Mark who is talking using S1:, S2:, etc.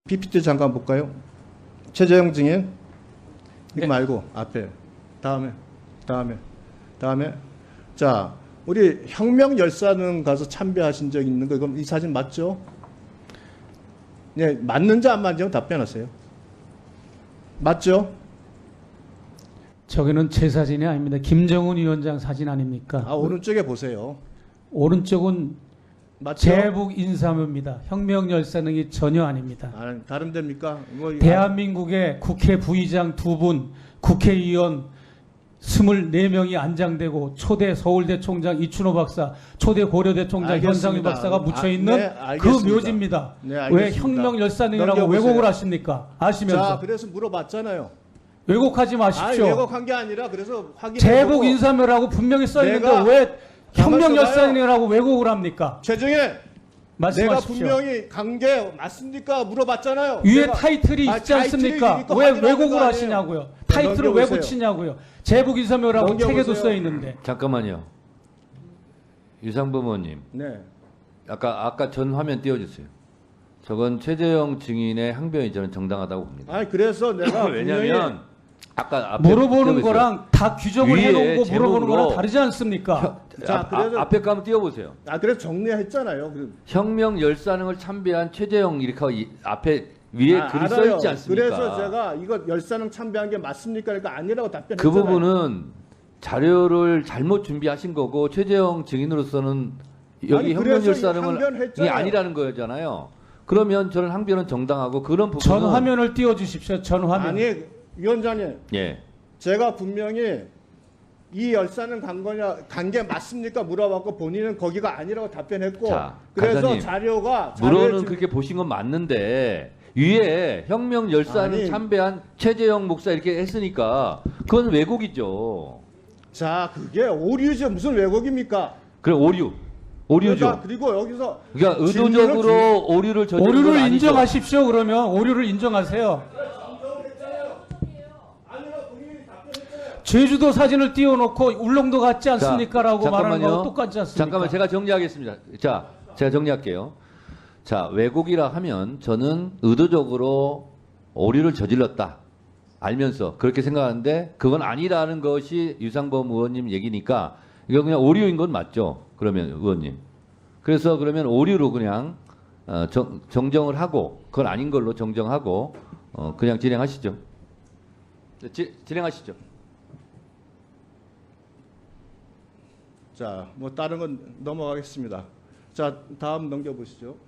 S1: PPT 잠깐 볼까요? 최재형 증인. 이거
S2: 네.
S1: 말고 앞에. 다음에. 자, 우리 혁명열사는 가서 참배하신 적 있는 거 그럼 이 사진 맞죠? 네, 맞는지 안 맞는지 답변하세요. 맞죠?
S2: 저기는 제 사진이 아닙니다. 김정은 위원장 사진 아닙니까?
S1: 아, 오른쪽에 보세요.
S2: 오른쪽은
S1: 맞죠?
S2: 제북 인사묘입니다. 혁명열사능이 전혀 아닙니다.
S1: 아, 다른 데입니까? 뭐,
S2: 대한민국의 국회 부의장 2분, 국회의원 24명이 안장되고 초대 서울대 총장 이춘호 박사, 초대 고려대 총장
S1: 알겠습니다.
S2: 현상유 박사가 묻혀있는
S1: 네,
S2: 그
S1: 알겠습니다.
S2: 묘지입니다.
S1: 네,
S2: 왜
S1: 알겠습니다.
S2: 혁명열사능이라고
S1: 넘겨보세요.
S2: 왜곡을 하십니까? 아시면서.
S1: 자, 그래서 물어봤잖아요.
S2: 왜곡하지
S1: 아,
S2: 마십시오.
S1: 왜곡한 게 아니라 그래서 확인해
S2: 제복 인사묘라고 분명히 써있는데
S1: 내가
S2: 왜
S1: 가만
S2: 혁명열사능이라고 왜곡을 합니까?
S1: 최정혜, 내가
S2: 말씀하십시오.
S1: 분명히 관계 맞습니까? 물어봤잖아요.
S2: 위에
S1: 내가-
S2: 타이틀이 있지
S1: 타이틀이
S2: 않습니까?
S1: 있고
S2: 왜
S1: 확인하는
S2: 왜곡을
S1: 거 아니에요?
S2: 하시냐고요. 타이틀을 왜
S1: 넘겨보세요.
S2: 붙이냐고요. 제복 인사묘라고
S1: 넘겨보세요.
S2: 책에도 써 있는데.
S3: 잠깐만요. 유상범 의원님,
S1: 네.
S3: 아까 전 화면 띄워주세요. 저건 최재형 증인의 항변이 저는 정당하다고 봅니다.
S1: 아니 그래서 내가
S3: 왜냐하면 아까 앞에
S2: 물어보는
S3: 띄워보세요.
S2: 거랑 다 규정을
S3: 위에
S2: 해놓은 거 물어보는
S3: 제목으로
S2: 거랑 다르지 않습니까?
S1: 자, 그래서-
S3: 앞에 거 한번 띄워보세요.
S1: 그래서 정리했잖아요.
S3: 혁명 열사능을 참배한 최재형 이렇게 하고 앞에 위에 글이 써
S1: 알아요.
S3: 있지 않습니까?
S1: 그래서 제가 이거 열사능 참배한 게 맞습니까? 그러니까 아니라고
S3: 그
S1: 답변했잖아요.
S3: 부분은 자료를 잘못 준비하신 거고 최재형 증인으로서는 여기
S1: 아니,
S3: 혁명
S1: 그래서
S3: 열사능은
S1: 항변했잖아요.
S3: 이게 아니라는 거잖아요. 그러면 저는 항변은 정당하고 그런 부분은
S2: 전 화면을 띄워주십시오. 전 화면.
S1: 아니 위원장님,
S3: 예.
S1: 제가 분명히 이 열사능 관계 맞습니까? 물어봤고 본인은 거기가 아니라고 답변했고
S3: 자,
S1: 그래서
S3: 간사님,
S1: 자료에
S3: 물어는
S1: 지금-
S3: 그렇게 보신 건 맞는데 위에 혁명 열사능
S1: 아니.
S3: 참배한 최재형 목사 이렇게 했으니까 그건 왜곡이죠.
S1: 자, 그게 오류죠. 무슨 왜곡입니까?
S3: 그래 오류죠.
S1: 그러니까 그리고 여기서
S3: 그러니까
S1: 질문을
S3: 의도적으로 오류를 저지른 건
S2: 오류를
S3: 아니죠.
S2: 인정하십시오. 그러면 오류를 인정하세요. 제주도 사진을 띄워놓고 울릉도 같지 않습니까라고 말하는
S3: 잠깐만요.
S2: 거하고 똑같지 않습니까?
S3: 잠깐만 제가 정리하겠습니다. 자, 제가 정리할게요. 자, 왜곡이라 하면 저는 의도적으로 오류를 저질렀다. 알면서 그렇게 생각하는데 그건 아니라는 것이 유상범 의원님 얘기니까 이거 그냥 오류인 건 맞죠? 그러면 의원님. 그래서 그러면 오류로 그냥 정정을 하고 그건 아닌 걸로 정정하고 그냥 진행하시죠. 진행하시죠.
S1: 자, 뭐 다른 건 넘어가겠습니다. 자, 다음 넘겨보시죠.